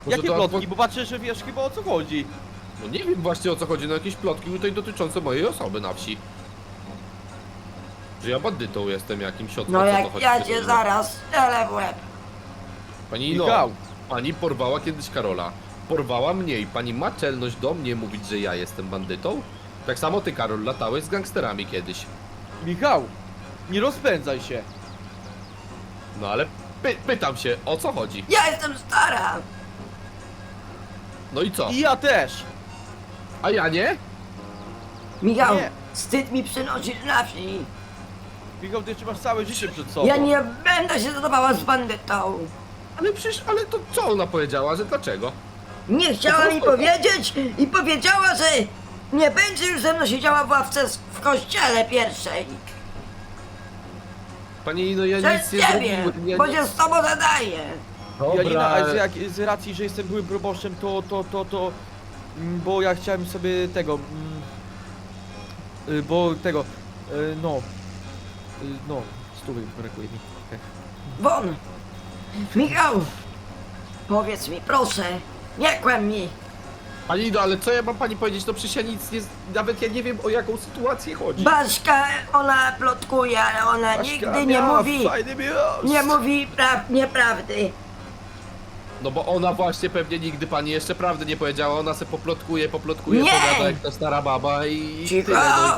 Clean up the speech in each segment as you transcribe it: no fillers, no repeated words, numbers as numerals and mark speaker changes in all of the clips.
Speaker 1: Może
Speaker 2: Jakie
Speaker 1: to
Speaker 2: plotki? Bo patrzę, że wiesz chyba o co chodzi.
Speaker 1: No nie wiem właśnie o co chodzi, no jakieś plotki tutaj dotyczące mojej osoby na wsi. Że ja bandytą jestem jakimś, o co
Speaker 3: No
Speaker 1: to
Speaker 3: jak
Speaker 1: chodzi?
Speaker 3: ja cię zaraz strzelę w łeb.
Speaker 1: Pani no,
Speaker 2: Michał.
Speaker 1: pani porwała kiedyś Karola. Porwała mnie i pani ma czelność do mnie mówić, że ja jestem bandytą? Tak samo ty, Karol, latałeś z gangsterami kiedyś.
Speaker 2: Michał, nie rozpędzaj się.
Speaker 1: No ale pytam się, o co chodzi?
Speaker 3: Ja jestem stara.
Speaker 1: No i co?
Speaker 2: I ja też.
Speaker 1: A ja nie?
Speaker 3: Michał,
Speaker 2: Nie.
Speaker 3: wstyd mi przynosisz na wsi.
Speaker 2: Michał, ty jeszcze masz całe życie przed sobą.
Speaker 3: Ja nie będę się zadawała z bandytą.
Speaker 1: Ale przecież, ale to co ona powiedziała, że dlaczego?
Speaker 3: Nie chciała mi powiedzieć i powiedziała, że nie będzie już ze mną siedziała w ławce w kościele pierwszej.
Speaker 1: Pani, no ja
Speaker 3: Przez
Speaker 1: nic nie
Speaker 3: ciebie,
Speaker 1: zrobiłem. Ja
Speaker 3: bo
Speaker 1: nie...
Speaker 3: się z tobą zadaję.
Speaker 2: Janina, a z racji, że jestem byłym proboszczem, bo ja chciałem sobie tego, bo tego, no, stówy brakuje mi.
Speaker 3: Won! Michał! Powiedz mi, proszę, nie kłam mi.
Speaker 1: Pani, no ale co ja mam pani powiedzieć? No przecież ja nic nie... Nawet ja nie wiem o jaką sytuację chodzi.
Speaker 3: Baśka, ona plotkuje, ale ona
Speaker 2: Baśka
Speaker 3: nigdy nie
Speaker 2: miała
Speaker 3: mówi,
Speaker 2: fajny miłość.
Speaker 3: nie mówi nieprawdy.
Speaker 1: No bo ona właśnie pewnie nigdy pani jeszcze prawdy nie powiedziała, ona se poplotkuje,
Speaker 3: Nie!
Speaker 1: powiada jak ta stara baba i
Speaker 3: Cicho!
Speaker 1: tyle, no.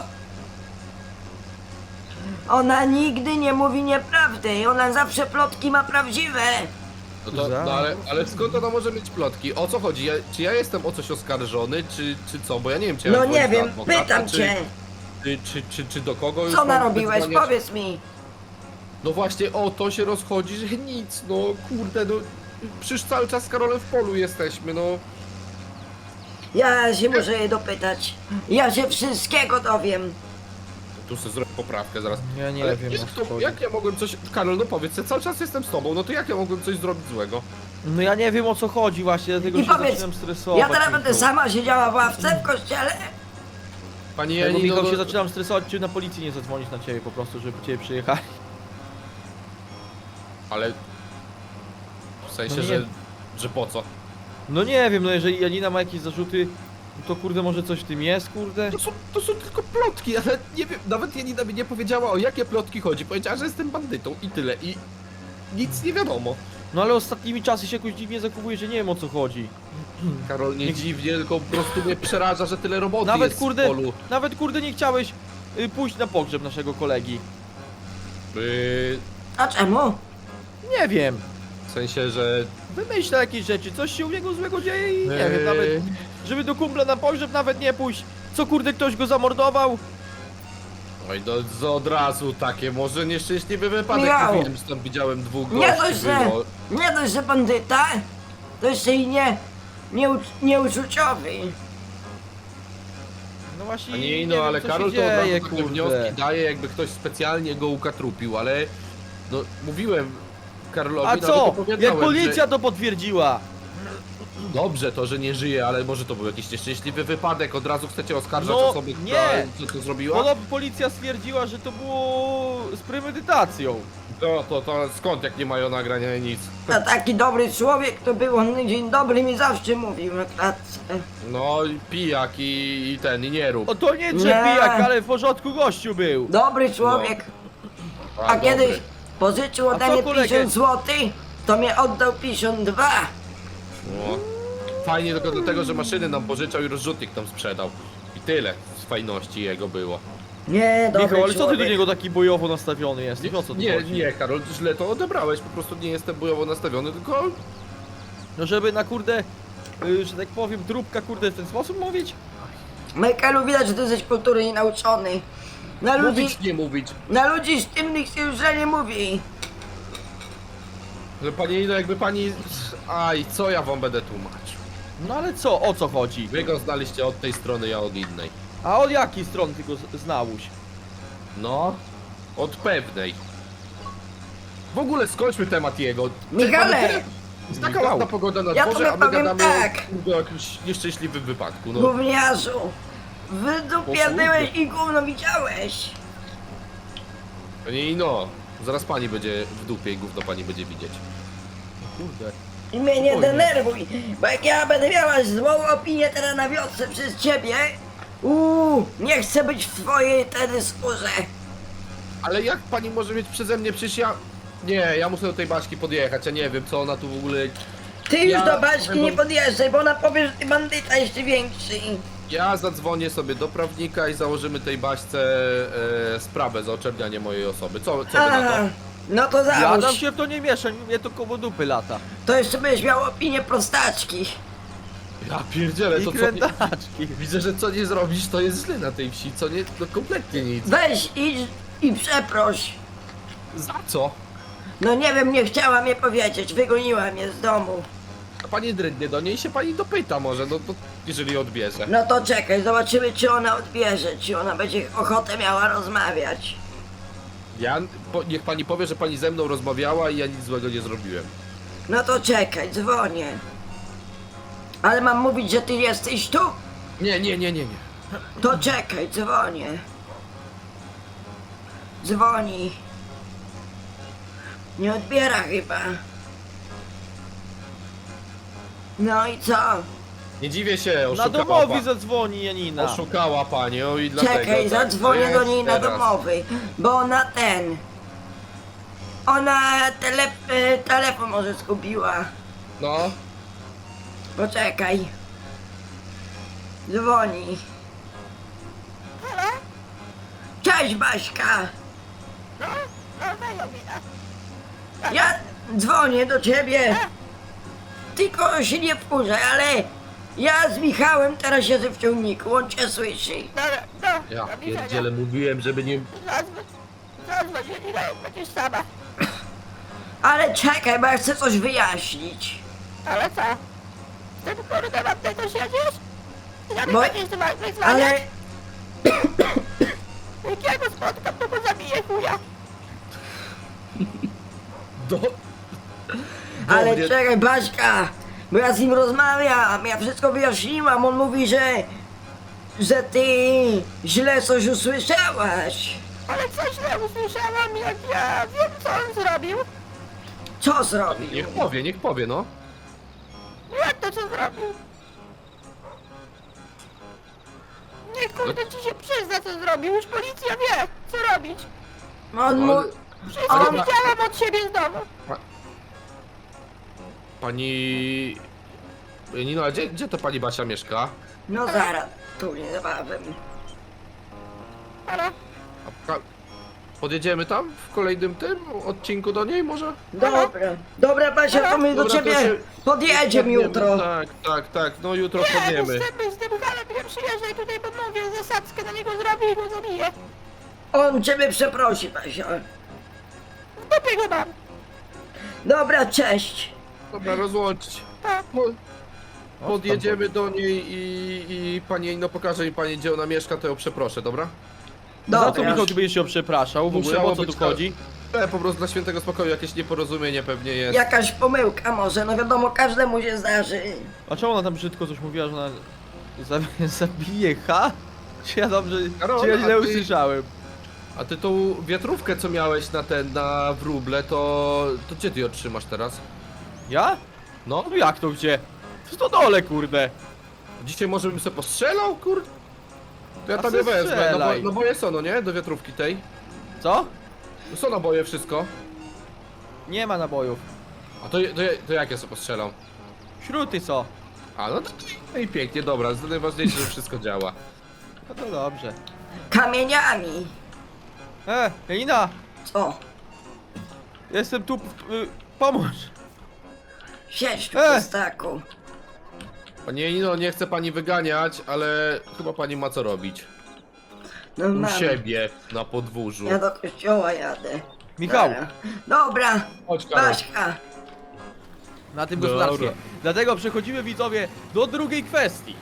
Speaker 3: Ona nigdy nie mówi nieprawdy, ona zawsze plotki ma prawdziwe.
Speaker 1: No, to, no ale skąd ona może mieć plotki? O co chodzi? Czy ja jestem o coś oskarżony, czy co? Bo ja nie wiem, czy ja
Speaker 3: No
Speaker 1: mam
Speaker 3: nie
Speaker 1: dzwonić do
Speaker 3: wiem,
Speaker 1: adwokata,
Speaker 3: pytam cię,
Speaker 1: czy do kogo już
Speaker 3: co
Speaker 1: mam
Speaker 3: narobiłeś,
Speaker 1: wydzwaniać?
Speaker 3: powiedz mi.
Speaker 1: No właśnie o to się rozchodzi, że nic, no kurde, no przecież cały czas z Karolem w polu jesteśmy, no.
Speaker 3: Ja się muszę jej dopytać, ja się wszystkiego dowiem.
Speaker 1: Tu sobie zrobię poprawkę zaraz.
Speaker 2: Ja nie
Speaker 1: Ale
Speaker 2: wiem,
Speaker 1: jak,
Speaker 2: o co chodzi.
Speaker 1: jak ja mogłem coś... Karol, no powiedz, ja cały czas jestem z tobą, no to jak ja mogłem coś zrobić złego?
Speaker 2: No ja nie wiem o co chodzi właśnie, dlatego
Speaker 3: I
Speaker 2: się
Speaker 3: powiedz,
Speaker 2: zaczynam stresować.
Speaker 3: ja teraz będę
Speaker 2: Michał.
Speaker 3: sama siedziała w ławce w kościele?
Speaker 1: Pani
Speaker 2: Dlatego,
Speaker 1: Janino,
Speaker 2: Michał, się
Speaker 1: no,
Speaker 2: zaczynam stresować, czy na policję nie zadzwonić na ciebie po prostu, żeby po ciebie przyjechali.
Speaker 1: ale... W sensie,
Speaker 2: No nie.
Speaker 1: że po co?
Speaker 2: No nie wiem, no jeżeli Janina ma jakieś zarzuty, to kurde może coś w tym jest, kurde.
Speaker 1: To są tylko plotki, ale nie wiem, nawet Janina mi nie powiedziała o jakie plotki chodzi. Powiedziała, że jestem bandytą i tyle, i nic nie wiadomo.
Speaker 2: No ale ostatnimi czasy się jakoś dziwnie zachowuje, że nie wiem o co chodzi.
Speaker 1: Karol, nie dziwnie, tylko po prostu mnie przeraża, że tyle roboty
Speaker 2: Nawet
Speaker 1: jest
Speaker 2: kurde,
Speaker 1: w polu.
Speaker 2: nawet kurde nie chciałeś pójść na pogrzeb naszego kolegi.
Speaker 3: A czemu?
Speaker 2: Nie wiem.
Speaker 1: W sensie, że...
Speaker 2: Wymyśla jakieś rzeczy, coś się u niego złego dzieje i nie wiem, nawet żeby do kumpla na pogrzeb nawet nie pójść. Co kurde ktoś go zamordował?
Speaker 1: Oj, no od razu takie, może nieszczęśliwy wypadek,
Speaker 3: Miał.
Speaker 1: mówiłem, że tam widziałem dwóch
Speaker 3: Nie
Speaker 1: gości
Speaker 3: dość, że,
Speaker 1: było.
Speaker 3: nie dość, że bandyta, to jeszcze i nieuczuciowy.
Speaker 2: No właśnie
Speaker 1: A nie,
Speaker 2: nie
Speaker 1: no
Speaker 2: wiem,
Speaker 1: ale
Speaker 2: co
Speaker 1: Karol
Speaker 2: się
Speaker 1: to od razu
Speaker 2: dzieje,
Speaker 1: takie
Speaker 2: kurde.
Speaker 1: wnioski daje, jakby ktoś specjalnie go ukatrupił, ale... No, mówiłem Karolowi,
Speaker 2: A
Speaker 1: nawet
Speaker 2: co?
Speaker 1: opowiadałem,
Speaker 2: Jak policja to potwierdziła?
Speaker 1: Że... Dobrze to, że nie żyje, ale może to był jakiś nieszczęśliwy wypadek, od razu chcecie oskarżać
Speaker 2: No,
Speaker 1: osobę,
Speaker 2: nie.
Speaker 1: która co to zrobiła?
Speaker 2: Podobno policja stwierdziła, że to było z premedytacją.
Speaker 1: To skąd, jak nie mają nagrania nic?
Speaker 3: A taki dobry człowiek to był, on dzień dobry mi zawsze mówił na klatce.
Speaker 1: No, i pijak i ten, i nie rób.
Speaker 2: O to nie
Speaker 3: Nie.
Speaker 2: trzepijak, ale w porządku gościu był.
Speaker 3: Dobry człowiek, a
Speaker 1: dobry.
Speaker 3: kiedyś pożyczył
Speaker 2: A
Speaker 3: ode
Speaker 2: co
Speaker 3: mnie
Speaker 2: kolegę?
Speaker 3: 50 zł, to mnie oddał 52.
Speaker 1: No. Fajnie tylko do tego, że maszyny nam pożyczał i rozrzutnik nam sprzedał. I tyle z fajności jego było.
Speaker 3: Nie, dobry
Speaker 2: Michał, ale co ty
Speaker 3: człowiek.
Speaker 2: do niego taki bojowo nastawiony jesteś? O co tu
Speaker 1: Nie,
Speaker 2: chodzi?
Speaker 1: nie, Karol, źle to odebrałeś, po prostu nie jestem bojowo nastawiony, tylko...
Speaker 2: No żeby na kurde, że tak powiem, trupka kurde w ten sposób mówić?
Speaker 3: Michaelu, widać, że ty jesteś kultury nienauczony.
Speaker 1: Mówić, nie mówić.
Speaker 3: Na ludzi sztywnych się już źle nie mówi.
Speaker 1: Że pani, no jakby pani... Aj, co ja wam będę tłumaczył?
Speaker 2: No ale co, o co chodzi?
Speaker 1: Wy go znaliście od tej strony, ja od innej.
Speaker 2: A od jakiej strony ty go znałeś?
Speaker 1: No, od pewnej. W ogóle skończmy temat jego.
Speaker 3: Michale!
Speaker 1: Jest taka ładna pogoda na
Speaker 3: Ja
Speaker 1: dworze,
Speaker 3: tobie
Speaker 1: a my
Speaker 3: powiem
Speaker 1: gadamy
Speaker 3: tak.
Speaker 1: o jakimś nieszczęśliwym wypadku. No.
Speaker 3: Gówniarzu, w dupie
Speaker 1: O kurde.
Speaker 3: byłeś i gówno widziałeś.
Speaker 1: I no, zaraz pani będzie w dupie i gówno pani będzie widzieć.
Speaker 2: Kurde.
Speaker 3: I mnie nie
Speaker 2: Spokojnie.
Speaker 3: denerwuj, bo jak ja będę miała złą opinię teraz na wiosce przez ciebie, nie chcę być w twojej wtedy skórze.
Speaker 1: Ale jak pani może mieć przeze mnie, przecież ja... Nie, ja muszę do tej Baśki podjechać, ja nie wiem co ona tu w ogóle...
Speaker 3: Ty już
Speaker 1: Ja
Speaker 3: do Baśki
Speaker 1: będę-
Speaker 3: nie podjeżdżaj, bo ona powie, że ty bandyta jeszcze większy.
Speaker 1: Ja zadzwonię sobie do prawnika i założymy tej Baśce sprawę za oczernianie mojej osoby. Co wy na to?
Speaker 3: No to
Speaker 2: Ja tam
Speaker 3: załóż.
Speaker 2: się w to nie mieszam, mnie to koło dupy lata.
Speaker 3: To jeszcze będziesz miał opinię prostaczki.
Speaker 1: Ja pierdzielę,
Speaker 2: I
Speaker 1: to co...
Speaker 2: krętaczki.
Speaker 1: Widzę, że co nie zrobisz, to jest źle na tej wsi, co nie... No kompletnie nic.
Speaker 3: Weź idź i przeproś.
Speaker 1: Za co?
Speaker 3: No nie wiem, nie chciała mnie powiedzieć, wygoniła mnie z domu.
Speaker 1: A pani drydnie do niej się pani dopyta może, no to jeżeli odbierze.
Speaker 3: No to czekaj, zobaczymy czy ona odbierze, czy ona będzie ochotę miała rozmawiać.
Speaker 1: Niech pani powie, że pani ze mną rozmawiała i ja nic złego nie zrobiłem.
Speaker 3: No to czekaj, dzwonię. Ale mam mówić, że ty jesteś tu?
Speaker 1: Nie.
Speaker 3: To czekaj, dzwonię. Dzwoni. Nie odbiera chyba. No i co?
Speaker 1: Nie dziwię się,
Speaker 2: Na
Speaker 1: oszukała
Speaker 2: domowi
Speaker 1: pani.
Speaker 2: zadzwoni Janina.
Speaker 1: Oszukała panią i dlatego...
Speaker 3: Czekaj,
Speaker 1: tak,
Speaker 3: zadzwonię
Speaker 1: to
Speaker 3: do
Speaker 1: jest
Speaker 3: niej na
Speaker 1: teraz.
Speaker 3: domowy, bo ona Ona telefon może zgubiła.
Speaker 1: No,
Speaker 3: Poczekaj. Dzwoni. Cześć Baśka. Ja dzwonię do ciebie. Tylko się nie wkurzaj, ale ja z Michałem teraz siedzę w ciągniku, on cię słyszy.
Speaker 1: ja pierdzielę, mówiłem, żeby nie...
Speaker 4: Zadzwoń, Janina, jak będziesz sama.
Speaker 3: Ale czekaj, bo ja chcę coś wyjaśnić.
Speaker 4: Ale co? Z tym kurde mam ty tu siedzisz? Ja mi
Speaker 3: Bo-
Speaker 4: będziesz wyzwania.
Speaker 3: Ale
Speaker 4: Jak ja go spotkam, to go zabiję chuja.
Speaker 1: Do...
Speaker 3: Ale
Speaker 1: mnie-
Speaker 3: czekaj, Baśka, bo ja z nim rozmawiam, ja wszystko wyjaśniłam, on mówi, że ty źle coś usłyszałaś.
Speaker 4: Ale co źle usłyszałam, jak ja wiem, co on zrobił.
Speaker 3: Co zrobił?
Speaker 1: Niech powie, no.
Speaker 4: Jak to co zrobił? Niech kurde ci się przyzna, co zrobił. Już policja wie, co robić.
Speaker 3: On mu...
Speaker 1: Ale-
Speaker 4: Wszystko
Speaker 3: On-
Speaker 4: widziałam od siebie z domu.
Speaker 1: Pani... Nino, a gdzie to pani Basia mieszka?
Speaker 3: No zaraz, tu niebawem.
Speaker 4: Ale
Speaker 1: Podjedziemy tam w kolejnym tym odcinku do niej może?
Speaker 3: Dobra Basia, to my do
Speaker 1: Dobra, to
Speaker 3: ciebie
Speaker 1: się-
Speaker 3: podjedziemy jutro.
Speaker 1: Tak, no jutro
Speaker 4: nie,
Speaker 1: wpadniemy.
Speaker 4: z tym halem nie przyjeżdżaj tutaj, bo mówię, zasadzkę na niego zrobię i go zabiję.
Speaker 3: On ciebie przeprosi, Basia.
Speaker 4: W dupie go mam.
Speaker 3: Dobra, cześć.
Speaker 1: Dobra, rozłączyć.
Speaker 4: Tak.
Speaker 1: Podjedziemy do niej i pani no pokaże mi pani gdzie ona mieszka, to ją przeproszę, dobra?
Speaker 2: Za co
Speaker 3: Dobra.
Speaker 2: Michał, ty będziesz się przepraszał? W ogóle,
Speaker 1: Musiało
Speaker 2: o co tu
Speaker 1: być
Speaker 2: chodzi?
Speaker 1: Po prostu dla świętego spokoju jakieś nieporozumienie pewnie jest.
Speaker 3: Jakaś pomyłka może, no wiadomo, każdemu się zdarzy.
Speaker 2: A czemu ona tam brzydko coś mówiła, że ona zabije ha? Czy ja dobrze,
Speaker 1: Karol,
Speaker 2: czy ja
Speaker 1: a
Speaker 2: źle
Speaker 1: ty-
Speaker 2: usłyszałem?
Speaker 1: A ty tą wiatrówkę co miałeś na wróble, to gdzie ty ją trzymasz teraz?
Speaker 2: Ja?
Speaker 1: No,
Speaker 2: No jak to gdzie? W stodole, kurde.
Speaker 1: dzisiaj może bym sobie postrzelał, kur... To ja
Speaker 2: A
Speaker 1: tam
Speaker 2: se
Speaker 1: je wezmę,
Speaker 2: strzelaj.
Speaker 1: no boje są, no nie? Do wiatrówki tej.
Speaker 2: Co?
Speaker 1: Są naboje wszystko.
Speaker 2: Nie ma nabojów.
Speaker 1: A to jak ja sobie postrzelam?
Speaker 2: Śruty co?
Speaker 1: A no i pięknie, dobra, to najważniejsze, że wszystko działa.
Speaker 2: No to dobrze.
Speaker 3: Kamieniami.
Speaker 2: Janina!
Speaker 3: Co?
Speaker 2: Jestem tu, pomóż!
Speaker 3: Siedź tu,
Speaker 2: E!
Speaker 3: prostaku.
Speaker 1: Panie Nino, nie chcę pani wyganiać, ale chyba pani ma co robić.
Speaker 3: No
Speaker 1: U
Speaker 3: mam.
Speaker 1: siebie, na podwórzu.
Speaker 3: Ja do kościoła jadę.
Speaker 2: Michał!
Speaker 3: Dobra,
Speaker 1: Chodź, Karol.
Speaker 3: Baśka.
Speaker 2: Na tym
Speaker 1: Dobra.
Speaker 2: gospodarstwie. Dlatego przechodzimy, widzowie, do drugiej kwestii.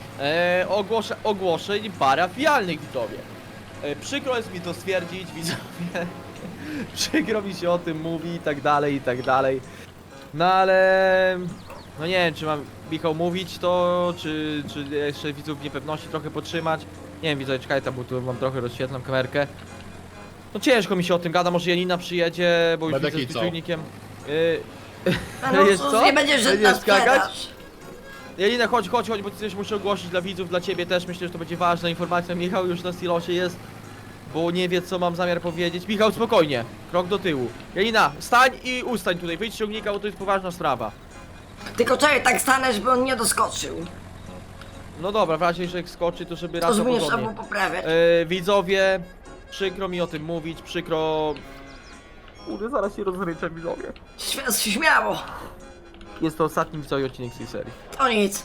Speaker 2: Ogłoszeń parafialnych, widzowie. Przykro jest mi to stwierdzić, widzowie. Przykro mi się o tym mówi i tak dalej, i tak dalej. No ale... No nie wiem, czy mam Michał mówić to, czy jeszcze widzów w niepewności trochę podtrzymać. Nie wiem, widzowie, czekaj tam, bo tu mam trochę rozświetlam kamerkę. No ciężko mi się o tym gada, może Janina przyjedzie, bo już
Speaker 1: Będę
Speaker 2: widzę z
Speaker 1: kicał.
Speaker 2: czujnikiem.
Speaker 3: No
Speaker 2: Wiesz
Speaker 3: cóż,
Speaker 2: co?
Speaker 3: nie będziesz żadna
Speaker 2: Będziesz skakać?
Speaker 3: sprzedaż.
Speaker 2: Janina, chodź, bo coś muszę ogłosić dla widzów, dla ciebie też. Myślę, że to będzie ważna informacja. Michał już na silosie jest, bo nie wie, co mam zamiar powiedzieć. Michał, spokojnie. Krok do tyłu. Janina, stań i ustań tutaj. Wyjdź z ciągnika, bo to jest poważna sprawa.
Speaker 3: Tylko czekaj, tak stanę, żeby on nie doskoczył.
Speaker 2: No dobra, w razie, że jak skoczy, to żeby
Speaker 3: To
Speaker 2: raz
Speaker 3: zmienisz
Speaker 2: porządnie.
Speaker 3: albo poprawiać.
Speaker 2: Widzowie, przykro mi o tym mówić, przykro... Kurde, zaraz się rozryczę, widzowie.
Speaker 3: Śmiało.
Speaker 2: Jest to ostatni widzowie odcinek z tej serii.
Speaker 3: To nic.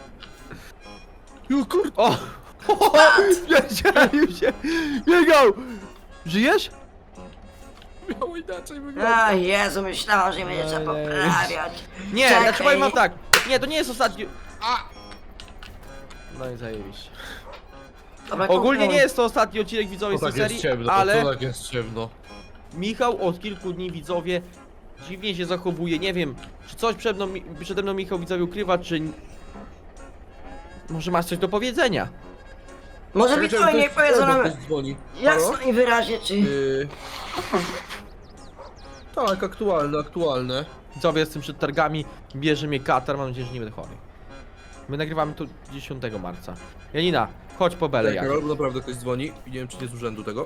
Speaker 2: O! Wiedziałem się! Biegał! Żyjesz?
Speaker 1: Miało inaczej wyglądać.
Speaker 3: A Jezu, myślałam, że nie będzie trzeba
Speaker 2: Ej.
Speaker 3: poprawiać.
Speaker 2: Nie,
Speaker 3: Czekaj.
Speaker 2: znaczy powiem wam tak. Nie, to nie jest ostatni... No i zajebiście.
Speaker 3: Dobra,
Speaker 2: Ogólnie
Speaker 3: kupuj.
Speaker 2: nie jest to ostatni odcinek widzowie z
Speaker 1: To
Speaker 2: tej
Speaker 1: tak jest
Speaker 2: serii,
Speaker 1: ciemno,
Speaker 2: ale
Speaker 1: to tak jest ciemno.
Speaker 2: Michał od kilku dni widzowie dziwnie się zachowuje. Nie wiem, czy coś przede mną Michał widzowie ukrywa, czy... Może masz coś do powiedzenia?
Speaker 3: Może mi to nie powiedzą nam
Speaker 1: dzwoni.
Speaker 3: jasno i wyraźnie, czy...
Speaker 1: Tak, aktualne.
Speaker 2: Widzowie, jestem przed targami, bierze mnie katar, mam nadzieję, że nie będę chory. My nagrywamy to 10 marca. Janina, chodź po belę jak.
Speaker 1: Karol, naprawdę ktoś dzwoni i nie wiem, czy nie z urzędu tego.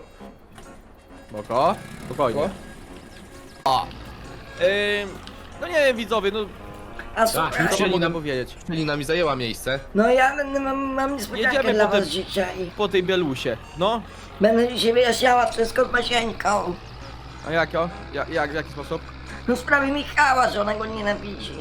Speaker 2: Spoko, spokojnie. O! No nie wiem widzowie, no
Speaker 3: A słuchaj,
Speaker 2: co
Speaker 1: Czyli
Speaker 2: mogę
Speaker 1: nam-
Speaker 2: powiedzieć?
Speaker 1: Celina mi zajęła miejsce.
Speaker 3: no ja będę, mam niespodziankę
Speaker 2: Jedziemy
Speaker 3: dla
Speaker 2: potem.
Speaker 3: was dzisiaj.
Speaker 2: Po tej bielusie, no.
Speaker 3: Będę dzisiaj wyjaśniała wszystko z Basieńką.
Speaker 2: A jak o? W jaki sposób?
Speaker 3: No w sprawie Michała, że ona go nienawidzi.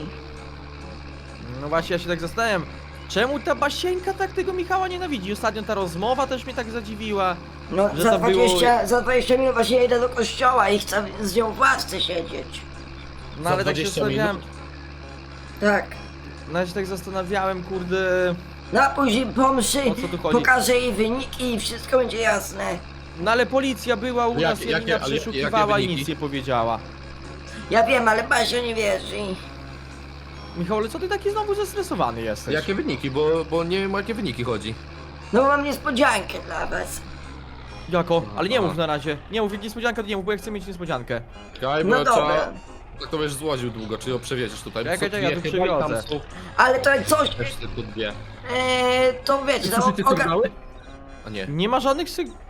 Speaker 2: No właśnie, ja się tak zastanawiam. Czemu ta Basieńka tak tego Michała nienawidzi? Ostatnio ta rozmowa też mnie tak zadziwiła.
Speaker 3: No
Speaker 2: Że
Speaker 3: za
Speaker 2: to było-
Speaker 3: 20 minut właśnie idę do kościoła i chcę z nią w ławce siedzieć.
Speaker 2: No
Speaker 1: Za
Speaker 2: ale tak się
Speaker 1: 20
Speaker 2: zastanawiałem.
Speaker 1: minut?
Speaker 3: Tak.
Speaker 2: No ja się tak zastanawiałem, kurde.
Speaker 3: No a później po mszy
Speaker 2: O co tu chodzi?
Speaker 3: pokażę jej wyniki i wszystko będzie jasne.
Speaker 2: No ale policja była u nas,
Speaker 1: Jakie-
Speaker 2: Janina
Speaker 1: ale
Speaker 2: przeszukiwała
Speaker 1: jakie
Speaker 2: i
Speaker 1: wyniki?
Speaker 2: nic nie powiedziała.
Speaker 3: Ja wiem, ale Basio nie wierzy.
Speaker 2: Michał, ale co ty taki znowu zestresowany jesteś?
Speaker 1: Jakie wyniki? Bo nie wiem, o jakie wyniki chodzi.
Speaker 3: No mam niespodziankę dla was.
Speaker 2: Jako? Ale nie
Speaker 1: Aha.
Speaker 2: mów na razie. Nie mów, niespodzianka to nie mów, bo ja chcę mieć niespodziankę.
Speaker 1: Czekaj, bo
Speaker 3: No
Speaker 1: ja
Speaker 3: dobra.
Speaker 1: trzeba... Tak to wiesz, złodził długo, czy ją przewieziesz tutaj?
Speaker 2: Czekaj,
Speaker 1: Co,
Speaker 2: czekaj, ja tu
Speaker 1: dwie chyba i tam
Speaker 2: przywiozę.
Speaker 1: są
Speaker 3: Ale to jak coś,
Speaker 1: też tylko dwie.
Speaker 3: to wiecie, no,
Speaker 1: Słyszycie sygnały? A nie,
Speaker 2: Nie ma żadnych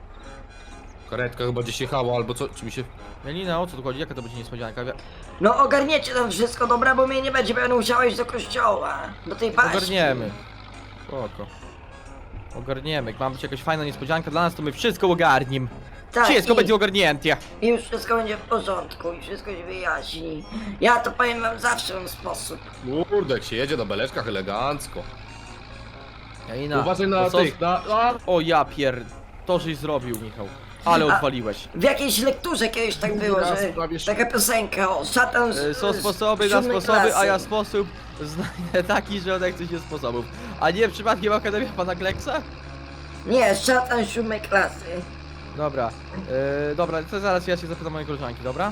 Speaker 1: karetka chyba gdzieś jechała albo co, czy mi się...
Speaker 2: Janina, o co tu chodzi? Jaka to będzie niespodzianka?
Speaker 3: no ogarniecie tam wszystko, dobra, bo mnie nie będzie, będę musiała iść do kościoła. Do tej paści.
Speaker 2: Ogarniemy. Spoko. Ogarniemy. Jak ma być jakaś fajna niespodzianka dla nas, to my wszystko ogarniem.
Speaker 3: Tak,
Speaker 2: Wszystko
Speaker 3: i-
Speaker 2: będzie ogarnięte.
Speaker 3: I już wszystko będzie w porządku i wszystko się wyjaśni. Ja to powiem wam zawsze w ten sposób.
Speaker 1: Kurde, jak się jedzie na beleczkach elegancko.
Speaker 2: Janina,
Speaker 1: Uważaj
Speaker 2: no
Speaker 1: na
Speaker 2: co-
Speaker 1: tych, na... A!
Speaker 2: O ja to żeś zrobił, Michał. Ale
Speaker 3: A-
Speaker 2: odpaliłeś.
Speaker 3: W jakiejś lekturze kiedyś tak było,
Speaker 1: Raz
Speaker 3: że
Speaker 1: prawie
Speaker 3: taka piosenka o szatan z
Speaker 2: Są sposoby na
Speaker 3: siódmej
Speaker 2: sposoby, a ja
Speaker 3: klasy.
Speaker 2: sposób znajdę taki, że odechce się sposobów. A nie przypadkiem Akademia Pana Kleksa?
Speaker 3: Nie, szatan z 7 klasy.
Speaker 2: Dobra, dobra, to zaraz ja się zapytam mojej koleżanki, dobra?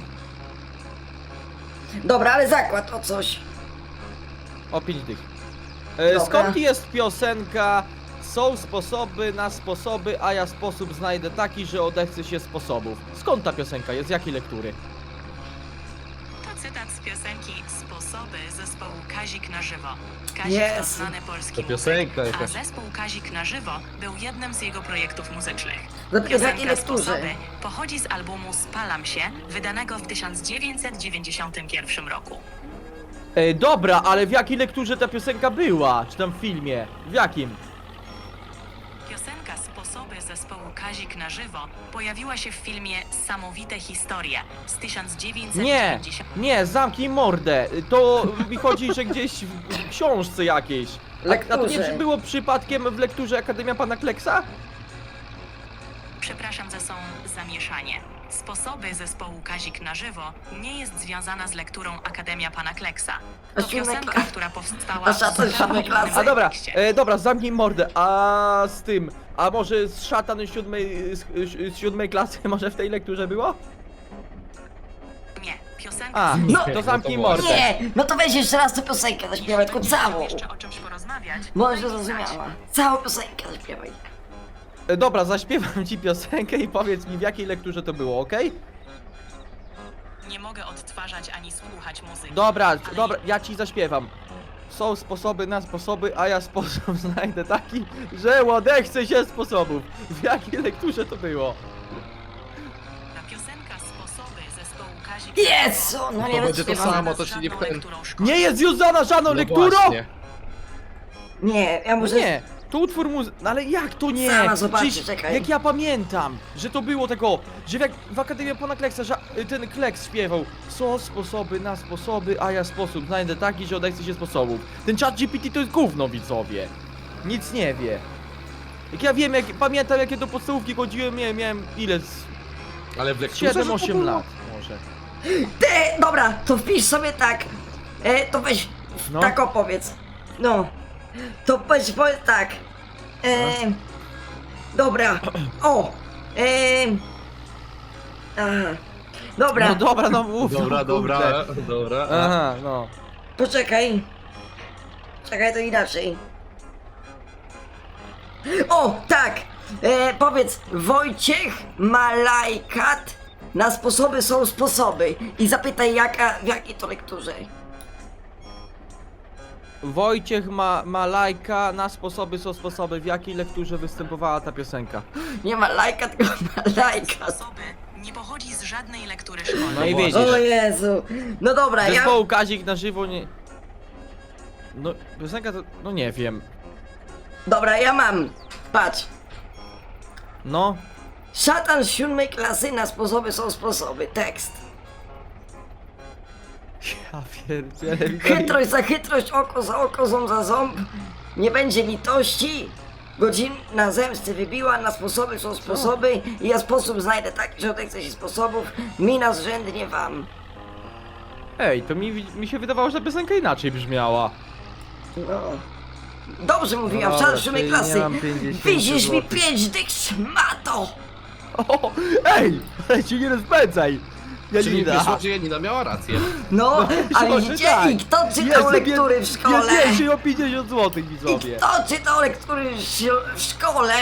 Speaker 3: Dobra, ale zakład o coś.
Speaker 2: O 5 dych.
Speaker 3: Dobra.
Speaker 2: Skąd jest piosenka? Są sposoby na sposoby, a ja sposób znajdę taki, że odechce się sposobów. Skąd ta piosenka jest? Z jakiej lektury?
Speaker 5: To cytat z piosenki Sposoby zespołu Kazik na żywo. Kazik to
Speaker 3: Jezu.
Speaker 5: znany polski
Speaker 1: To piosenka
Speaker 5: muzyk, a
Speaker 1: jakaś.
Speaker 5: zespół Kazik na żywo był jednym z jego projektów muzycznych.
Speaker 3: Dopiero w jakiej
Speaker 5: Piosenka
Speaker 3: lekturze?
Speaker 5: Sposoby pochodzi z albumu Spalam się, wydanego w 1991 roku.
Speaker 2: Dobra, ale w jakiej lekturze ta piosenka była? Czy tam w filmie? W jakim?
Speaker 5: Piosenka Sposoby zespołu Kazik na żywo pojawiła się w filmie Samowite historie z 1990.
Speaker 2: Nie, zamknij mordę. To mi chodzi, że gdzieś w książce jakiejś. A to nie
Speaker 3: Lekturze.
Speaker 2: czy było przypadkiem w lekturze Akademia Pana Kleksa?
Speaker 5: Przepraszam za są zamieszanie. Sposoby zespołu Kazik na żywo nie jest związana z lekturą Akademia Pana Kleksa.
Speaker 3: A
Speaker 5: To
Speaker 3: siódma
Speaker 5: piosenka,
Speaker 3: kla-
Speaker 5: która powstała
Speaker 3: a szatan z siódmej klasy.
Speaker 2: A dobra,
Speaker 5: kontekście.
Speaker 2: dobra, zamknij mordę. A z tym, a może z szatan z siódmej klasy może w tej lekturze było?
Speaker 5: Nie, piosenka
Speaker 2: A,
Speaker 3: No.
Speaker 2: to zamknij
Speaker 1: No to
Speaker 2: mordę.
Speaker 3: Nie! No to weź jeszcze raz tę piosenkę zaśpiewaj, tylko całą.
Speaker 5: jeszcze o czymś porozmawiać.
Speaker 3: Może
Speaker 5: daj mi
Speaker 3: zrozumiała.
Speaker 5: znać.
Speaker 3: Całą piosenkę zaśpiewaj.
Speaker 2: Dobra, zaśpiewam ci piosenkę i powiedz mi w jakiej lekturze to było, okej?
Speaker 5: Nie mogę odtwarzać ani słuchać muzyki.
Speaker 2: Dobra,
Speaker 5: Ale
Speaker 2: dobra, ja ci zaśpiewam. Są sposoby na sposoby, a ja sposób znajdę taki, że odechce się sposobów. W jakiej lekturze to było?
Speaker 5: Ta piosenka Sposoby zespołu Kazik
Speaker 3: Jezu, no nie
Speaker 1: To będzie to
Speaker 3: wytrzymam.
Speaker 1: samo, to się nie wkręci.
Speaker 2: Nie jest związana żadną
Speaker 1: No
Speaker 2: lekturą?
Speaker 1: właśnie.
Speaker 3: Nie, ja
Speaker 2: No
Speaker 3: muszę...
Speaker 2: nie, to utwór no ale jak to nie?
Speaker 3: Sama zobaczę,
Speaker 2: Przecież
Speaker 3: czekaj.
Speaker 2: jak ja pamiętam, że to było tego, że w Akademii Pana Kleksa, że ten Kleks śpiewał są sposoby na sposoby, a ja sposób znajdę taki, że odechce się sposobów. Ten chat GPT to jest gówno, widzowie. Nic nie wie. Jak ja wiem, pamiętam jakie do podstawówki chodziłem, miałem ile?
Speaker 1: Ale w lekturze, że to
Speaker 2: 7-8
Speaker 1: było?
Speaker 2: lat może.
Speaker 3: Dobra, to wpisz sobie tak. To weź,
Speaker 2: No.
Speaker 3: tak opowiedz. No. To powiedz tak. Dobra. O. Aha. Dobra,
Speaker 2: No dobra, no mów.
Speaker 1: Dobra,
Speaker 2: no,
Speaker 1: dobra,
Speaker 2: kurde.
Speaker 1: dobra.
Speaker 2: Aha, no.
Speaker 3: poczekaj. Czekaj, to inaczej. O, tak. Powiedz, Wojciech Malajkat. Na sposoby są sposoby. I zapytaj, w jakiej to lekturze.
Speaker 2: Wojciech ma lajka, na sposoby są sposoby. W jakiej lekturze występowała ta piosenka?
Speaker 3: Nie ma lajka, tylko Malajkat.
Speaker 5: Sposoby nie pochodzi z żadnej lektury szkolnej.
Speaker 2: No i
Speaker 1: właśnie.
Speaker 2: wiedziesz.
Speaker 3: O Jezu. No dobra, ja...
Speaker 2: Zespołu Kazik na żywo nie... No, piosenka to... no nie wiem.
Speaker 3: Dobra, ja mam. Patrz.
Speaker 2: No.
Speaker 3: Szatan z 7 klasy, na sposoby są sposoby. Tekst.
Speaker 2: Ja pierdzielę.
Speaker 3: Chytrość za chytrość, oko za oko, ząb za ząb. Nie będzie litości. Godzina zemsty wybiła, na sposoby są sposoby. I ja sposób znajdę taki, że odechce się sposobów. Mina zrzędnie wam.
Speaker 2: Ej, to mi się wydawało, że ta piosenka inaczej brzmiała.
Speaker 3: No. Dobrze mówiłam,
Speaker 2: No
Speaker 3: szatan
Speaker 2: dobra,
Speaker 3: z 7
Speaker 2: czyli
Speaker 3: klasy.
Speaker 2: nie mam 50
Speaker 3: Widzisz mi
Speaker 2: złotych.
Speaker 3: 5 dych, szmato.
Speaker 2: O, ej! Ale ci nie rozpędzaj!
Speaker 1: Czyli
Speaker 2: Janina!
Speaker 1: wyszło, że Janina miała rację.
Speaker 3: No, a
Speaker 2: może
Speaker 3: widzicie?
Speaker 2: tak.
Speaker 3: I kto czytał lektury w szkole?
Speaker 2: Ja więcej o 50 zł,
Speaker 3: I
Speaker 2: widzowie.
Speaker 3: kto czytał lektury w szkole?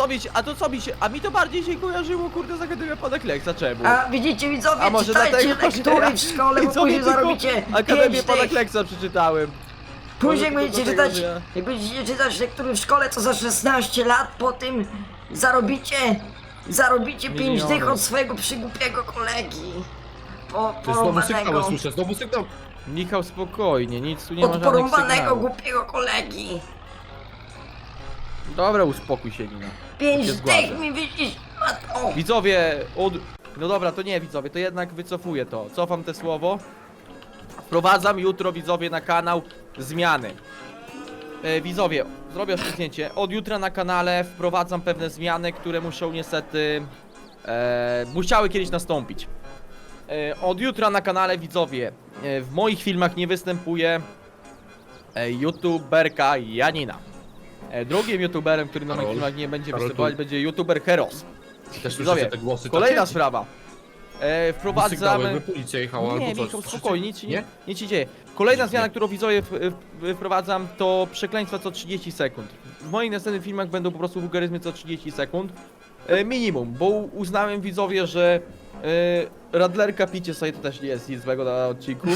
Speaker 2: A mi to bardziej się kojarzyło, kurde, z Akademią Pana Kleksa, czemu?
Speaker 3: A widzicie widzowie,
Speaker 2: A może
Speaker 3: czytajcie
Speaker 2: dlatego, że
Speaker 3: lektury
Speaker 2: ja-
Speaker 3: w szkole, bo
Speaker 2: widzowie,
Speaker 3: później
Speaker 2: tylko
Speaker 3: zarobicie
Speaker 2: Akademię
Speaker 3: 5
Speaker 2: Pana
Speaker 3: dych.
Speaker 2: Kleksa przeczytałem.
Speaker 3: Później jak
Speaker 2: Może
Speaker 3: będziecie
Speaker 2: tylko
Speaker 3: czytać,
Speaker 2: dlatego, że
Speaker 3: jak będziecie czytać lektury w szkole, to za 16 lat po tym zarobicie 5
Speaker 2: Miliony.
Speaker 3: dych od swojego przygłupiego kolegi.
Speaker 1: To jest znowu sygnał,
Speaker 3: Porąbanego,
Speaker 1: słyszę, znowu sygnał.
Speaker 2: Michał, spokojnie, nic tu nie ma
Speaker 3: od
Speaker 2: żadnych
Speaker 3: porąbanego
Speaker 2: sygnałów.
Speaker 3: głupiego kolegi.
Speaker 2: Dobra, uspokój się, Nina.
Speaker 3: 5
Speaker 2: się
Speaker 3: dych
Speaker 2: zgładzę.
Speaker 3: mi widzisz, matko.
Speaker 2: Widzowie, no dobra, to nie widzowie, to jednak wycofuję to. Cofam te słowo. Wprowadzam jutro, widzowie, na kanał zmiany. Widzowie, zrobię oszczędnięcie. Od jutra na kanale wprowadzam pewne zmiany, które muszą niestety... musiały kiedyś nastąpić. Od jutra na kanale, widzowie, w moich filmach nie występuje youtuberka Janina. Drugim youtuberem, który na moich
Speaker 1: Karol.
Speaker 2: filmach nie będzie
Speaker 1: Karol,
Speaker 2: występować,
Speaker 1: tu-
Speaker 2: będzie youtuber Heros.
Speaker 1: Też
Speaker 2: Widzowie,
Speaker 1: słyszycie te głosy
Speaker 2: Kolejna
Speaker 1: takie?
Speaker 2: sprawa.
Speaker 1: Sygnały,
Speaker 2: Wprowadzamy...
Speaker 1: by policja jechała
Speaker 2: Nie,
Speaker 1: albo coś.
Speaker 2: Michał,
Speaker 1: Słyszycie?
Speaker 2: spokojnie, nic się dzieje. Kolejna
Speaker 1: Dziwnie.
Speaker 2: zmiana, którą widzowie wprowadzam, to przekleństwa co 30 sekund. W moich następnych filmach będą po prostu wulgaryzmy co 30 sekund. Minimum, bo uznałem, widzowie, że Radlerka picie sobie to też nie jest nic złego na odcinku.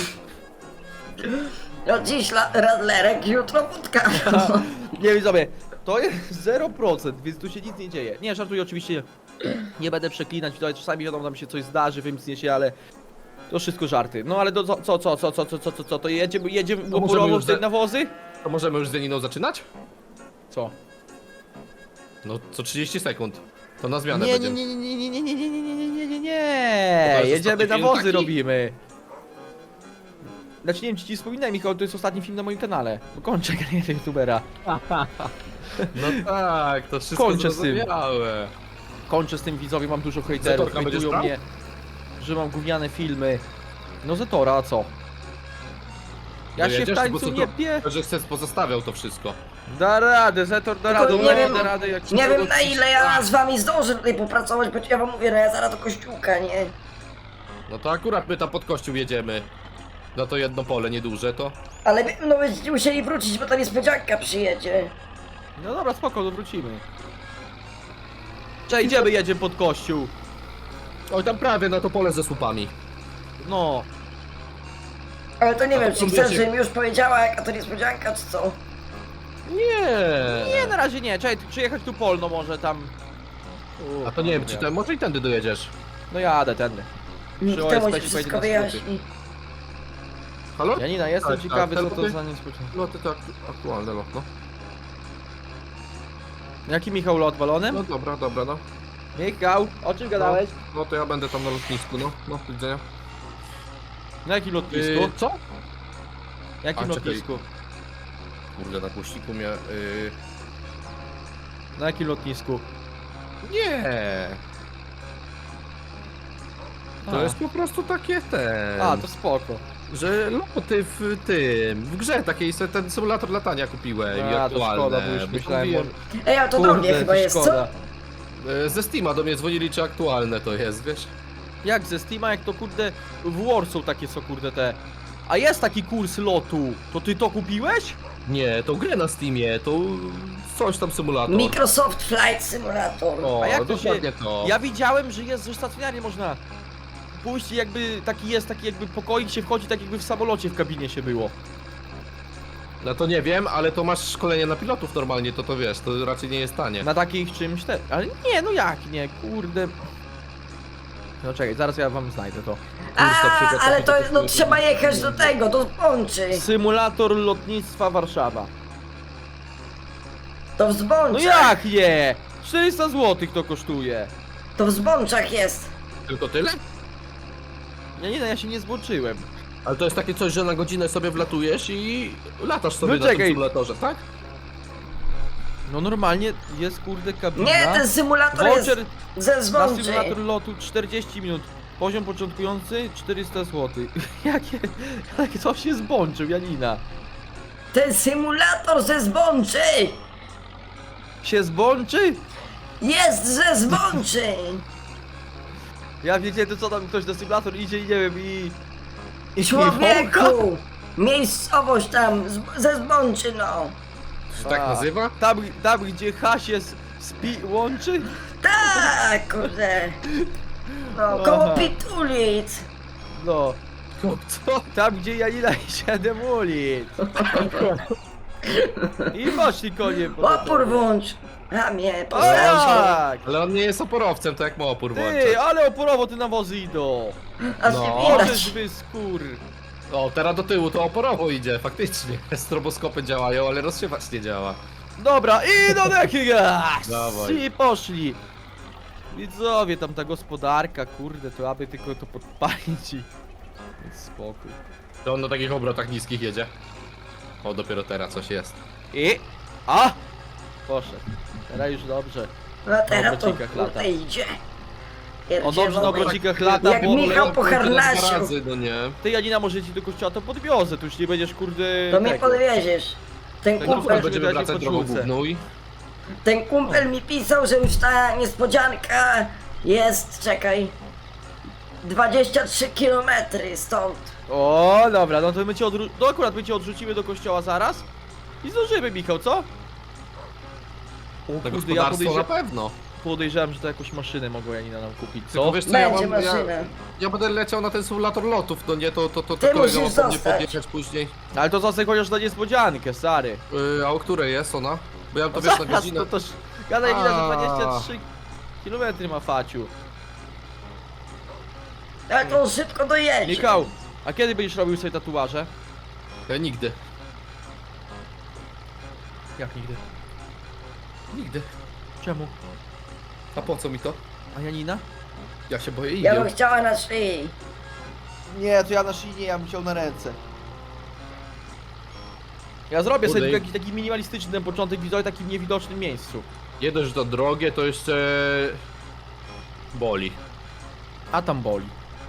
Speaker 3: No dziś radlerek, jutro wódka.
Speaker 2: Nie, widzowie, to jest 0%, więc tu się nic nie dzieje. Nie, żartuję, oczywiście nie będę przeklinać, widzowie, czasami wiadomo, nam się coś zdarzy, wymknie się, ale to wszystko żarty. No ale co, to jedziemy
Speaker 1: możemy
Speaker 2: oporowo
Speaker 1: już
Speaker 2: w te
Speaker 1: za-
Speaker 2: nawozy?
Speaker 1: To możemy już z Janiną zaczynać?
Speaker 2: Co?
Speaker 1: No, co 30 sekund. To na zmianę
Speaker 2: Nie,
Speaker 1: będziemy.
Speaker 2: nie.
Speaker 1: jest
Speaker 2: Jedziemy
Speaker 1: ostatni film
Speaker 2: nawozy
Speaker 1: taki?
Speaker 2: robimy. Znaczy nie wiem, czy ci wspominałem, Michał, to jest ostatni film na moim kanale. Bo kończę karierę youtubera.
Speaker 1: No tak, to wszystko
Speaker 2: Kończę z tym.
Speaker 1: zrozumiałe.
Speaker 2: Kończę z tym, widzowie, mam dużo hejterów,
Speaker 1: Zetorka będziesz
Speaker 2: hejtują
Speaker 1: brał?
Speaker 2: mnie, że mam gówniane filmy. No Zetora, a co? Ja się w
Speaker 1: Dojedziesz? Bo
Speaker 2: tańcu
Speaker 1: co
Speaker 2: nie
Speaker 1: to-
Speaker 2: pie...
Speaker 1: Że chcesz pozostawiał to wszystko.
Speaker 2: Da radę, Zetor da radę,
Speaker 3: nie wiem,
Speaker 2: da radę jak
Speaker 3: Nie wiem na ile ja z wami zdążę tutaj popracować, bo ja wam mówię, no ja zaraz do kościółka, nie?
Speaker 1: No to akurat my tam pod kościół jedziemy. No to jedno pole, nieduże to.
Speaker 3: Ale no będziecie musieli wrócić, bo ta niespodzianka przyjedzie.
Speaker 2: No dobra, spoko, to wrócimy. Jedziemy pod kościół.
Speaker 1: Oj, tam prawie na to pole ze słupami.
Speaker 2: No.
Speaker 3: Ale to nie
Speaker 1: A
Speaker 3: wiem,
Speaker 1: to
Speaker 3: czy
Speaker 1: próbujesz
Speaker 3: chcesz, żebym już powiedziała, jaka to niespodzianka, czy co?
Speaker 1: Nie.
Speaker 2: Nie, na razie nie. Czekaj, przyjechać tu polno może tam.
Speaker 1: A to nie wiem, czy ten, może i tędy dojedziesz.
Speaker 2: No jadę tędy.
Speaker 3: Nikt
Speaker 2: Przy
Speaker 3: temu
Speaker 2: OSP
Speaker 3: ci
Speaker 2: się
Speaker 3: wszystko
Speaker 2: pojedzie na skróty.
Speaker 3: wyjaśni.
Speaker 1: Halo?
Speaker 2: Janina, jestem
Speaker 1: Tak,
Speaker 2: ciekawy,
Speaker 1: tak,
Speaker 2: co to
Speaker 1: teleporty?
Speaker 2: za niespodzianka.
Speaker 1: Loty to aktualne lot, no.
Speaker 2: Jaki Michał lot balony?
Speaker 1: No dobra, dobra, no.
Speaker 2: Michał, o czym gadałeś?
Speaker 1: No to ja będę tam na lotnisku, no. No, do widzenia.
Speaker 2: Na jakim lotnisku?
Speaker 1: Co?
Speaker 2: Jakim
Speaker 1: a, czekaj.
Speaker 2: lotnisku?
Speaker 1: Kurde, na głośniku mnie...
Speaker 2: Na jakim lotnisku?
Speaker 1: Nie. To
Speaker 2: A.
Speaker 1: jest po prostu takie ten...
Speaker 2: A, to spoko.
Speaker 1: Że loty w tym... W grze takiej ten symulator latania kupiłem i
Speaker 2: A, to
Speaker 1: aktualne.
Speaker 2: szkoda, bo już
Speaker 1: Bo
Speaker 2: myślałem,
Speaker 1: mówiłem,
Speaker 3: Ej, a to do mnie chyba
Speaker 2: to
Speaker 3: jest, co?
Speaker 2: szkoda.
Speaker 1: Ze Steama do mnie dzwonili, czy aktualne to jest, wiesz?
Speaker 2: Jak ze Steama, jak to kurde w Warsaw takie są kurde te. A jest taki kurs lotu, to ty to kupiłeś?
Speaker 1: Nie, to grę na Steamie, to coś tam symulator.
Speaker 3: Microsoft Flight Simulator.
Speaker 1: O,
Speaker 2: A jak to się...
Speaker 1: dokładnie to.
Speaker 2: Ja widziałem, że jest, że stacjonarnie można pójść i jakby taki jest, taki jakby pokoik się wchodzi, tak jakby w samolocie w kabinie się było.
Speaker 1: No to nie wiem, ale to masz szkolenie na pilotów normalnie, to wiesz, to raczej nie jest tanie.
Speaker 2: Na takich czymś te... Ale nie, no jak nie, kurde. No czekaj, zaraz ja wam znajdę to.
Speaker 3: Ale to no, trzeba jechać do tego, do Zbączy.
Speaker 2: Symulator lotnictwa Warszawa.
Speaker 3: To w
Speaker 2: No
Speaker 3: Zbączach.
Speaker 2: jak nie? 400 zł to kosztuje.
Speaker 3: To w Zbączach jest.
Speaker 1: Tylko tyle?
Speaker 2: Nie, no ja się nie zboczyłem.
Speaker 1: Ale to jest takie coś, że na godzinę sobie wlatujesz i latasz sobie
Speaker 2: No
Speaker 1: na tym
Speaker 2: czekaj.
Speaker 1: symulatorze, tak?
Speaker 2: No normalnie jest kurde kabina.
Speaker 3: Nie, ten symulator
Speaker 2: Voucher
Speaker 3: jest ze
Speaker 2: na
Speaker 3: Zbączy.
Speaker 2: symulator lotu 40 minut. Poziom początkujący 400 zł. Jakie to się zbączył, Janina.
Speaker 3: Ten symulator ze Zbączy.
Speaker 2: Się zbączy?
Speaker 3: Jest ze Zbączy.
Speaker 2: Ja wiecie, to co tam ktoś na symulator idzie i nie wiem i...
Speaker 3: Człowieku. Miejscowość tam, ze Zbączy, no.
Speaker 1: Się tak nazywa?
Speaker 2: Tam gdzie H się łączy?
Speaker 3: Tak, kurde. No, koło
Speaker 2: Aha.
Speaker 3: Pitulic.
Speaker 2: No.
Speaker 1: Co?
Speaker 2: Tam gdzie Janina i 7 ulic. I poszli konie po
Speaker 3: Opór włącz. A mnie,
Speaker 2: O
Speaker 3: postacie.
Speaker 2: tak!
Speaker 1: Ale on nie jest oporowcem, to jak ma opór włączać?
Speaker 2: Ty, ale oporowo te nawozy idą.
Speaker 3: Aż
Speaker 1: No.
Speaker 3: nie
Speaker 2: Możesz
Speaker 3: widać.
Speaker 2: wy skór.
Speaker 1: O, teraz do tyłu to oporowo idzie, faktycznie. Stroboskopy działają, ale rozsiewacz nie działa.
Speaker 2: Dobra, i do jakiegoś!
Speaker 1: Dawaj.
Speaker 2: I poszli. Widzowie, tam ta gospodarka, kurde, to aby tylko to podpalić i... Więc spokój.
Speaker 1: To on na takich obrotach niskich jedzie. O, dopiero teraz coś jest.
Speaker 2: I... A! Poszedł. Teraz już dobrze.
Speaker 3: No teraz to
Speaker 2: obrocikach lata.
Speaker 3: kurde idzie.
Speaker 2: O dobrze na obrocikach lata,
Speaker 3: Jak
Speaker 2: bo...
Speaker 3: Michał po
Speaker 1: Kurde,
Speaker 3: harnasiu.
Speaker 1: dwa razy, no nie.
Speaker 2: Ty Janina może ci do kościoła to podwiozę, tu już nie będziesz kurde...
Speaker 3: To mnie
Speaker 2: tego.
Speaker 3: podwieziesz. Ten
Speaker 2: Tak,
Speaker 1: No,
Speaker 3: kumpel,
Speaker 2: będziemy
Speaker 1: będziemy
Speaker 2: dać
Speaker 1: wracać
Speaker 2: po
Speaker 1: drogą
Speaker 2: czwórce.
Speaker 1: główną i...
Speaker 3: ten kumpel mi pisał, że już ta niespodzianka jest, czekaj, 23 km stąd.
Speaker 2: O, dobra, no to my cię no akurat my cię odrzucimy do kościoła zaraz. I zdążymy, Michał, co? O
Speaker 1: Na
Speaker 2: kurde, ja
Speaker 1: gospodarstwo na pewno.
Speaker 2: podejrzewam, że to jakąś maszynę mogła Janina nam kupić,
Speaker 1: Tylko
Speaker 2: co?
Speaker 1: wiesz co,
Speaker 3: Będzie
Speaker 1: ja
Speaker 3: maszyna.
Speaker 1: będę leciał na ten symulator lotów, no nie, to
Speaker 3: Ty
Speaker 1: kolega
Speaker 3: musisz
Speaker 1: ma po mnie
Speaker 3: zostać.
Speaker 1: podjechać później.
Speaker 2: Ale to zasek chociaż na niespodziankę, stary.
Speaker 1: A o której jest ona? Bo ja to wiesz na godzinę...
Speaker 2: to gada Janina, że
Speaker 1: A.
Speaker 2: 23 km ma Faciu.
Speaker 3: Ale to on szybko dojedzie.
Speaker 2: Michał, a kiedy będziesz robił sobie tatuaże?
Speaker 1: Ja nigdy.
Speaker 2: Jak nigdy?
Speaker 1: Nigdy.
Speaker 2: Czemu?
Speaker 1: A po co mi to?
Speaker 2: A Janina?
Speaker 1: Ja się boję
Speaker 3: Ja
Speaker 1: igieł.
Speaker 3: bym chciała na szyi.
Speaker 2: Nie, to ja na szyi nie, ja bym chciał na ręce. Ja zrobię sobie
Speaker 1: Kurde,
Speaker 2: tylko jakiś taki minimalistyczny ten początek widzowy, takim niewidocznym miejscu.
Speaker 1: Nie dość, że to drogie, to jeszcze... boli.
Speaker 2: A tam boli.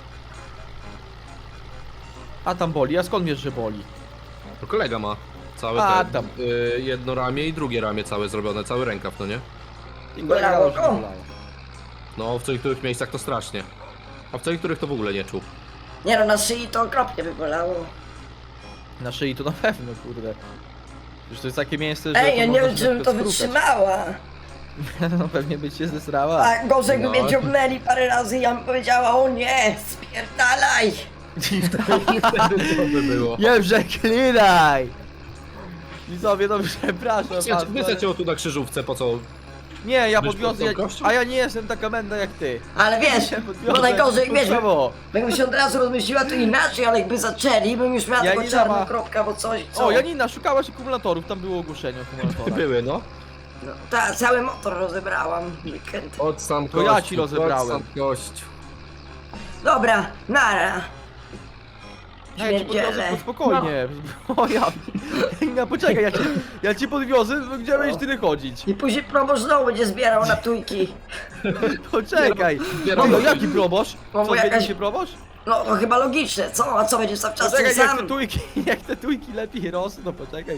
Speaker 2: A tam boli, a skąd wiesz, że boli?
Speaker 1: To kolega ma całe
Speaker 2: A,
Speaker 1: te...
Speaker 2: tam.
Speaker 1: jedno ramię i drugie ramię całe zrobione, cały rękaw, no nie?
Speaker 2: I
Speaker 3: Bolało
Speaker 2: kolega
Speaker 3: go?
Speaker 2: bolało.
Speaker 1: No, w niektórych miejscach to strasznie. A w niektórych to w ogóle nie czuł.
Speaker 3: Nie no, na szyi to okropnie by bolało.
Speaker 2: Na szyi to na pewno, kurde. Przecież to jest takie miejsce, że
Speaker 3: Ej, ja nie
Speaker 2: można
Speaker 3: wiem,
Speaker 2: się
Speaker 3: czy bym to
Speaker 2: lekko skrukać.
Speaker 3: wytrzymała.
Speaker 2: No pewnie by cię zesrała.
Speaker 3: A gorzej by
Speaker 1: No.
Speaker 3: mnie ciągnęli parę razy i ja bym powiedziała, o nie, spierdalaj.
Speaker 1: I wtedy co by było?
Speaker 2: Nie przeklinaj! Widzowie, no przepraszam was.
Speaker 1: Wysłać cię tu na krzyżówce, po co?
Speaker 2: Nie, ja
Speaker 1: Byś
Speaker 2: podwiozę,
Speaker 1: pod tą kością?
Speaker 2: a ja nie jestem taka menda jak ty.
Speaker 3: Ale wiesz,
Speaker 2: Ja podwiozę
Speaker 3: bo najgorzej, wiesz,
Speaker 2: kurczowo.
Speaker 3: jakbym się od razu rozmyśliła to inaczej, ale jakby zaczęli, bym już miała
Speaker 2: Janina
Speaker 3: tylko czarną
Speaker 2: ma-
Speaker 3: kropkę albo coś, co?
Speaker 2: O, Janina, szukałaś akumulatorów, tam było ogłoszenie o akumulatorach.
Speaker 1: Były, no.
Speaker 3: No, cały motor rozebrałam w weekend.
Speaker 1: Od sam
Speaker 2: To ja ci rozebrałem.
Speaker 1: Od sam kościół.
Speaker 3: Dobra, nara.
Speaker 2: Ja ci podwiozę,
Speaker 3: Śmierdziele.
Speaker 2: spokojnie. O ja... Janina, poczekaj, ja ci podwiozę, gdzie będziesz tyle chodzić.
Speaker 3: I później proboszcz znowu będzie zbierał na tujki.
Speaker 2: Poczekaj.
Speaker 1: Zbieram-
Speaker 2: No jaki proboszcz?
Speaker 3: Bo
Speaker 2: Co,
Speaker 3: jakaś-
Speaker 2: jakaś... się proboszcz?
Speaker 3: No to chyba logiczne, co? A co, będzie cały czas ten
Speaker 2: Poczekaj,
Speaker 3: sam?
Speaker 2: jak te tujki lepiej rosną, no poczekaj.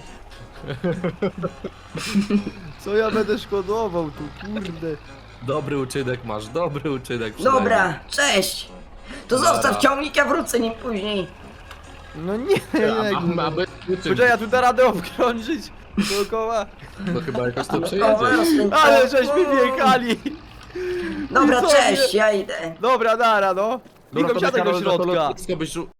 Speaker 2: Co ja będę szkodował tu, kurde.
Speaker 1: Dobry uczynek masz, dobry uczynek.
Speaker 3: Dobra, cześć. To
Speaker 1: Nara.
Speaker 3: zostaw ciągnik, ja wrócę nim później.
Speaker 2: No nie,
Speaker 1: Mamy
Speaker 2: Poczekaj, ja tu da radę obkrążyć dookoła.
Speaker 1: No chyba jakoś to
Speaker 3: O,
Speaker 1: przejedziesz.
Speaker 3: właśnie.
Speaker 2: Ale żeśmy wjechali.
Speaker 3: Dobra,
Speaker 2: I co,
Speaker 3: cześć,
Speaker 2: nie?
Speaker 3: ja idę.
Speaker 2: Dobra, nara, no.
Speaker 1: Dobra,
Speaker 2: Niko,
Speaker 1: to
Speaker 2: wsiadaj do
Speaker 1: Karol, na to
Speaker 2: środka.
Speaker 1: lotnisko byś